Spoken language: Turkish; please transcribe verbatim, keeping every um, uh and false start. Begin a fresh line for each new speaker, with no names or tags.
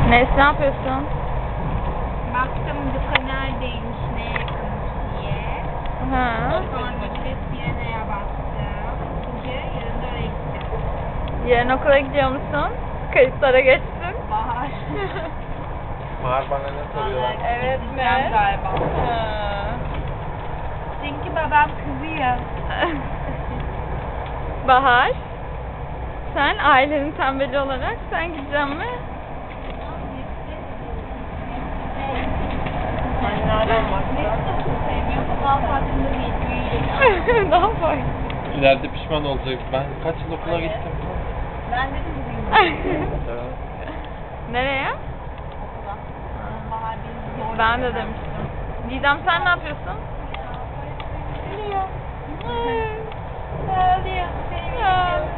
Nes, ne yapıyorsun?
Baktım dükkana neredeymiş, ne yakınmış diye.
Ha.
Sonra bir Sirena'ya baktım. Çünkü yarın da oraya gideceğim.
Yarın okula gidiyor musun? Kayıtlara geçtin.
Bahar.
Bahar bana ne soruyorlar?
Evet
Gideceğim
mi?
galiba.
Ha.
Çünkü babam kızıyor.
Bahar, sen ailenin tembeli olarak sen gideceksin mi?
Anneannem var.
Sevmiyorum. Daha farkında değil. Büyüyecek.
Ne yapayım?
İleride pişman olacak. Ben kaç yıl okula gittim?
Ben de kızıyım.
Evet.
Nereye?
Okula. Bahar beni zorla.
Ben de demiştim. Didem, sen ne yapıyorsun?
Biliyor.
Ağlıyor. Ağlıyor.